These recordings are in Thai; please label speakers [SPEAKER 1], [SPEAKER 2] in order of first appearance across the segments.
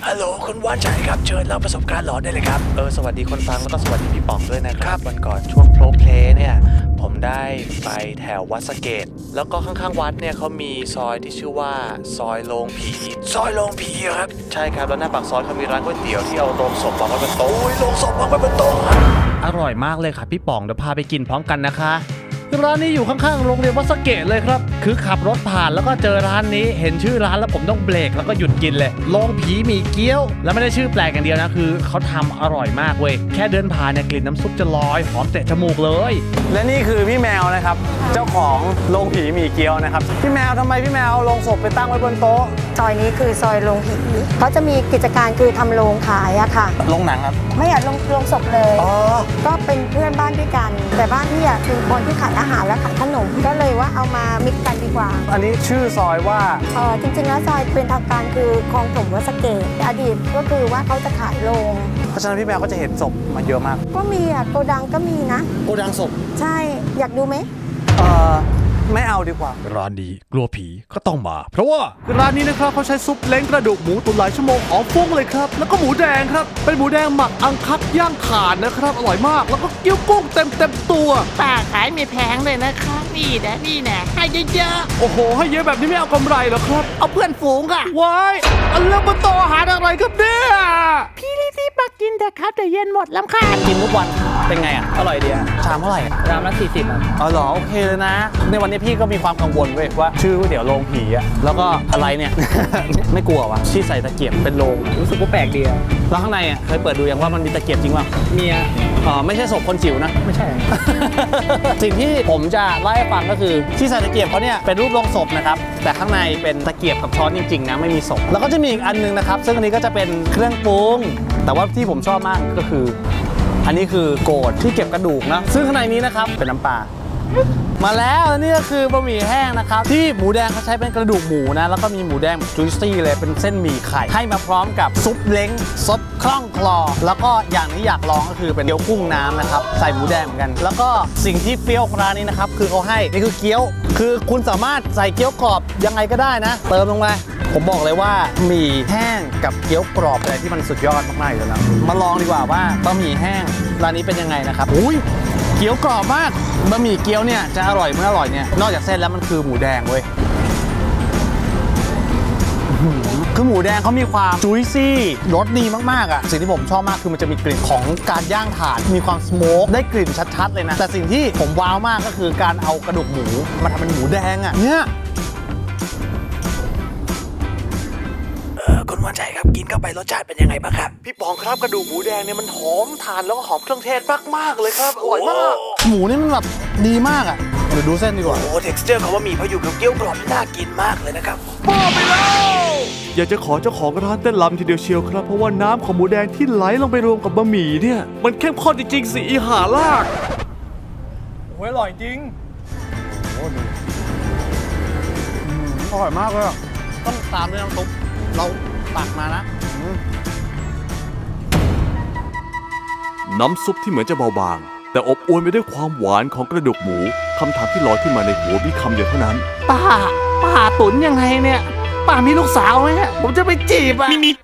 [SPEAKER 1] ฮัลโหลคุณว่านชัยครับเชิญเล่าประสบการณ์หลอนได้เลยครับ
[SPEAKER 2] สวัสดีคนฟังแล้วก็สวัสดีพี่ป๋องด้วยนะครับวันก่อนช่วงโพลเพลย์เนี่ยผมได้ไปแถววัดสะเกษแล้วก็ข้างๆวัดเนี่ยเขามีซอยที่ชื่อว่าซอยโรงผี
[SPEAKER 1] ซอยโรงผีครับ
[SPEAKER 2] ใช่ครับแล้วหน้าปากซอยเขามีร้านก๋วยเตี๋ยวที่เอาโรงศพวางไว้บนโต๊ะ
[SPEAKER 1] โรงศพวางไว้บนโต๊ะ
[SPEAKER 2] อร่อยมากเลยค่ะพี่ป๋องเดี๋ยวพาไปกินพร้อมกันนะคะร้านนี้อยู่ข้างๆโรงเรียนวัดสะเกษเลยครับคือขับรถผ่านแล้วก็เจอร้านนี้เห็นชื่อร้านแล้วผมต้องเบรกแล้วก็หยุดกินเลยโรงผีหมี่เกี๊ยวแล้วไม่ได้ชื่อแปลกอย่างเดียวนะคือเขาทำอร่อยมากเว้ยแค่เดินผ่านเนี่ยกลิ่นน้ำซุปจะลอยหอมเตะจมูกเลย
[SPEAKER 3] และนี่คือพี่แมวนะครับเจ้าของโรงผีหมี่เกี๊ยวนะครับพี่แมวทำไมพี่แมวเอาโรงศพไปตั้งไว้บนโต๊ะ
[SPEAKER 4] ซอยนี้คือซอยโรงผีเขาจะมีกิจการคือทำโรงขายอะค่ะ
[SPEAKER 3] โรงหนังครับ
[SPEAKER 4] ไม่อยากโรงศพเลยก็เป็นเพื่อนบ้านด้วยกันแต่บ้านที่อะคือคนที่ขายอาหารและขายขนมก็เลยว่าเอามามิกกันดีกว่า
[SPEAKER 3] อันนี้ชื่อซอยว่า
[SPEAKER 4] จริงๆแล้วซอยเป็นทางการคือคลองถมวัดสะเกษอดีตก็คือว่าเขาจะขายโรง
[SPEAKER 3] เพราะฉะนั้นพี่แมวก็จะเห็นศพมาเยอะมาก
[SPEAKER 4] ก็มีอะโกดังก็มีนะ
[SPEAKER 3] โกดังศพ
[SPEAKER 4] ใช่อยากดูไหม
[SPEAKER 3] ไม่เอาดีกว่า
[SPEAKER 2] ร้านนี้กลัวผีก็ต้องมาเพราะว่าร้านนี้นะครับเขาใช้ซุปเล้งกระดูกหมูตุ๋นหลายชั่วโมงหอมฟุ้งเลยครับแล้วก็หมูแดงครับเป็นหมูแดงหมักอังคักย่างถ่านนะครับอร่อยมากแล้วก็เกี๊ยวกุ้งเต็มตัว
[SPEAKER 5] ป้าขายไม่แพงเลยนะคะนี่นะให้เยอะ
[SPEAKER 2] ๆโอ้โหให้เยอะแบบนี้ไม่เอากำไรหรอครับ
[SPEAKER 5] เอาเพื่อนฝูงค่ะ
[SPEAKER 2] ว้ายอันเรื่องบนโต๊ะอาหารอะไรครับเนี่ย
[SPEAKER 5] พี่รีบมากินแต่ครับแต่เย็นหมดลำคาญ
[SPEAKER 3] กินทุกวันเป็นไงอ่ะอร่อยดีอ่ะชามเท่าไหร่
[SPEAKER 5] ชามละ40ครับ
[SPEAKER 3] อ๋อเหรอโอเคเลยนะในวันนี้พี่ก็มีความกังวลเว้ยว่าชื่อก๋วยเตี๋ยวโรงผีอ่ะแล้วก็อะไรเนี่ย ไม่กลัววะที่ใส่ตะเกียบเป็นโรง
[SPEAKER 5] รู้สึกว่าแปลกดีอะ
[SPEAKER 3] แล้วข้างในอ่ะเคยเปิดดูยังว่ามันมีตะเกียบจริงป่ะ
[SPEAKER 5] มีอะ
[SPEAKER 3] ไม่ใช่ศพคนจิ๋วนะ
[SPEAKER 5] ไม่ใช่
[SPEAKER 3] สิ่งที่ผมจะเล่าให้ฟังก็คือที่ใส่ตะเกียบเขาเนี่ยเป็นรูปโรงศพนะครับแต่ข้างในเป็นตะเกียบกับช้อนจริงๆนะไม่มีศพแล้วก็จะมีอีกอันนึงนะครับซึ่งอันนี้ก็จะเป็นเครื่องปรุงแต่ว่าที่ผมชอบมากก็คืออันนี้คือโกดที่เก็บกระดูกนะซึ่งข้างในนี้นะครับเป็นน้ำปลามาแล้วนี่ก็คือบะหมี่แห้งนะครับที่หมูแดงเขาใช้เป็นกระดูกหมูนะแล้วก็มีหมูแดงแบบจุยซี่เลยเป็นเส้นหมี่ไข่ให้มาพร้อมกับซุปเล้งซดคล่องคลอแล้วก็อย่างที่อยากลองก็คือเป็นเกี๊ยวกุ้งน้ำนะครับใส่หมูแดงเหมือนกันแล้วก็สิ่งที่เปรี้ยวร้านนี้นะครับคือเขาให้นี่คือเกี๊ยวคือคุณสามารถใส่เกี๊ยวกรอบยังไงก็ได้นะเติมลงไปผมบอกเลยว่าหมี่แห้งกับเกี๊ยวกรอบอะไรที่มันสุดยอดมากๆอยู่แล้วมาลองดีกว่าว่าบะหมี่แห้งร้านนี้เป็นยังไงนะครับอุ้ยเกี๊ยวกรอบมากบะหมี่เกี๊ยวเนี่ยจะอร่อยเมื่ออร่อยเนี่ยนอกจากเส้นแล้วมันคือหมูแดงเว้ยคือหมูแดงเขามีความจุยซี่รสดีมากๆอ่ะสิ่งที่ผมชอบมากคือมันจะมีกลิ่นของการย่างถ่านมีความสโมกได้กลิ่นชัดๆเลยนะแต่สิ่งที่ผมว้าวมากก็คือการเอากระดูกหมูมาทำเป็นหมูแดงอ่ะเนี่ย
[SPEAKER 1] คุณว่านชัยครับกินเข้าไปรสชาติเป็นยังไงบ้างครับ
[SPEAKER 2] พี่ป๋องครับกระดูกหมูแดงเนี่ยมันหอมถ่านแล้วก็หอมเครื่องเทศมากๆเลยครับอร่อยมาก
[SPEAKER 3] หมูนี่มันแบบดีมากอ่ะเดี๋ยวดูเส้นดีกว่า
[SPEAKER 1] โอ้ texture เขาว่ามีพออยู่กับเกี๊ยวกรอบน่ากินมากเลยนะครับ
[SPEAKER 2] บ้าไปแล้วอยากจะขอเจ้าของร้านเต้นรำทีเดียวเชียวครับเพราะว่าน้ำของหมูแดงที่ไหลลงไปรวมกับบะหมี่เนี่ยมันเข้มข้นจริงๆสิอีหาลาก
[SPEAKER 3] โอ้ยอร่อยจริงโอ้ดีอร่อยมากเลยต้องตามด้วยน้ำซุปเราตักมานะ
[SPEAKER 6] น้ำซุปที่เหมือนจะเบาบางแต่อบอวลไปด้วยความหวานของกระดูกหมูคำถามที่ลอยขึ้นมาในหัวมีคำเดียวเท่านั้น
[SPEAKER 5] ป้าตุ๋นยังไงเนี่ยป้ามีลูกสาวไหมผมจะไปจีบอ่ะ
[SPEAKER 2] มี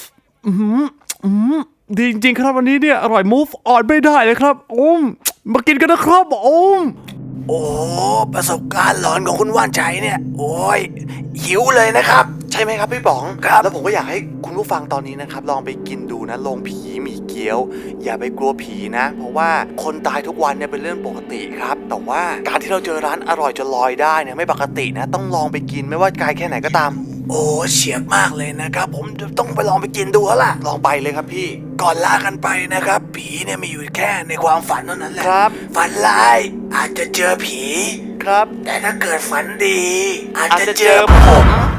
[SPEAKER 2] ดีจริงๆครับวันนี้เนี่ยอร่อย move on ไม่ได้เลยครับมากินกันนะครับ
[SPEAKER 1] โอ้ประสบการณ์หลอนของคุณว่านชัยเนี่ยโอ้ยหิวเลยนะครับ
[SPEAKER 2] ใช่ไหมครับพี่ป๋อง
[SPEAKER 1] ครับ
[SPEAKER 2] แล้วผมก็อยากให้คุณผู้ฟังตอนนี้นะครับลองไปกินดูนะโรงผีหมี่เกี๊ยวอย่าไปกลัวผีนะเพราะว่าคนตายทุกวันเนี่ยเป็นเรื่องปกติครับแต่ว่าการที่เราเจอร้านอร่อยจนลอยได้เนี่ยไม่ปกตินะต้องลองไปกินไม่ว่าไกลแค่ไหนก็ตาม
[SPEAKER 1] โอ้เฉียบมากเลยนะครับผมจะต้องไปลองไปกินดูแล้วล่ะ
[SPEAKER 2] ลองไปเลยครับพี่
[SPEAKER 1] ก่อนลากันไปนะครับผีเนี่ยมีอยู่แค่ในความฝันเท่านั้นแหละ
[SPEAKER 2] ครับ
[SPEAKER 1] ฝันร้ายอาจจะเจอผี
[SPEAKER 2] ครับ
[SPEAKER 1] แต่ถ้าเกิดฝันดีอาจจะเจอผม